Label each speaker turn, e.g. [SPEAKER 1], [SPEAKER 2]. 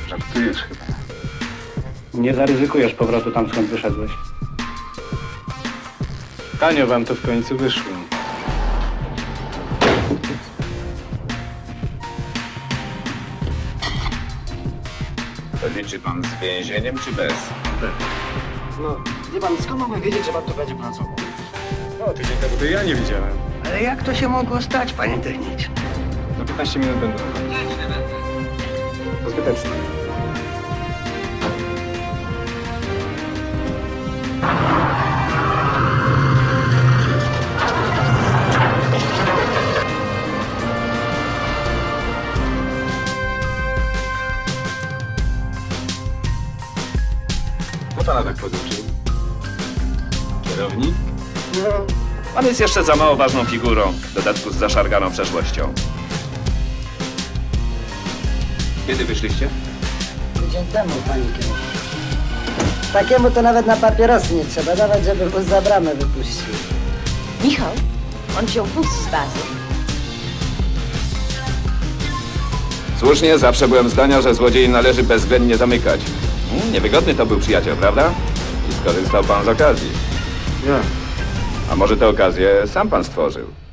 [SPEAKER 1] Żartujesz chyba.
[SPEAKER 2] Nie zaryzykujesz powrotu tam, skąd wyszedłeś. Tanio wam to w końcu wyszło.
[SPEAKER 1] To liczy pan z więzieniem czy bez?
[SPEAKER 3] No, wie pan, skąd mamy wiedzieć, że pan tu będzie pracował?
[SPEAKER 2] O, tydzień temu to ja nie widziałem.
[SPEAKER 3] Ale jak to się mogło stać, panie techniczny?
[SPEAKER 2] Za 15 minut będę. To zbyteczne.
[SPEAKER 1] Kto pana tak poduczył? Kierownik?
[SPEAKER 3] No,
[SPEAKER 4] Pan jest jeszcze za mało ważną figurą, w dodatku z zaszarganą przeszłością.
[SPEAKER 1] Kiedy wyszliście?
[SPEAKER 3] tydzień temu, panie kierownik. Takiemu to nawet na papierosy nie trzeba dawać, żeby mu za bramę wypuścił.
[SPEAKER 5] Michał, on wziął wóz z bazy.
[SPEAKER 4] Słusznie, zawsze byłem zdania, że złodziei należy bezwzględnie zamykać. Niewygodny to był przyjaciel, prawda? I skorzystał pan z okazji.
[SPEAKER 2] Ja.
[SPEAKER 4] A może tę okazję sam pan stworzył?